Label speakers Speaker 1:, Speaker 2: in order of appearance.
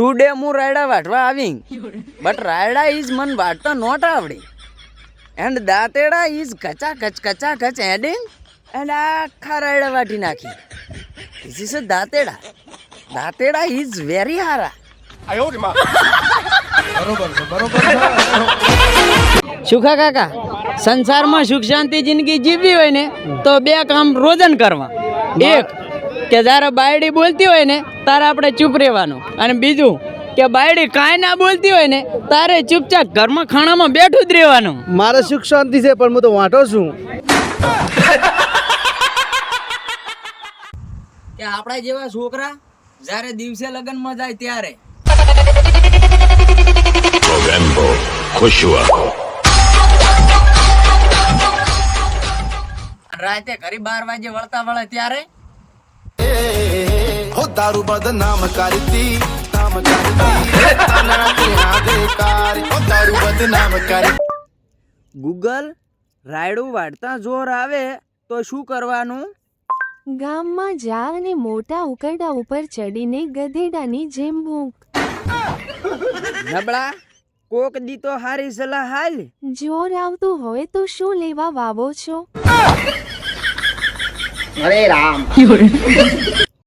Speaker 1: Today હું રાયડા વાટવા આવી but રાયડા ઇઝ મન વાટતા નોટ આવડી એન્ડ દાંતેડા ઇઝ કચા કચ એડિંગ એન્ડ આખા રાયડા વાટી નાખી ધીસ ઇઝ અ દાંતેડા ઇઝ વેરી હારા. સુખા કાકા, સંસારમાં સુખ શાંતિ જિંદગી જીવવી હોય ને તો બે કામ રોજન કરવા. એક કે જ્યારે બાયડી બોલતી હોય ને તારે આપણે ચૂપ રહેવાનું, અને બીજું કે બાયડી કાંઈ ના બોલતી હોય ને તારે ચૂપચાપ ઘરમાં ખાણામાં બેઠું જ રહેવાનું.
Speaker 2: મારે સુખ શાંતિ છે પણ હું તો વાંટો છું.
Speaker 1: કે આપણા જેવા છોકરા જ્યારે દિવસે લગ્નમાં જાય ત્યારે રાતે ઘરે 12 વાગે વળતા વળે ત્યારે
Speaker 3: હો દારૂ બદનામ કરતી
Speaker 1: ગૂગલ રાયડું વાળતા જોર આવે તો શું કરવાનું?
Speaker 4: ગામમાં જા અને મોટા ઉકરડા ઉપર ચડીને ગધેડાની જેમ ભૂંક.
Speaker 1: નબળા કોક દી તો હારી સલાહ હાલ.
Speaker 4: જોર આવતું હોય તો શું લેવા વાવો છો?
Speaker 5: અરે રામ.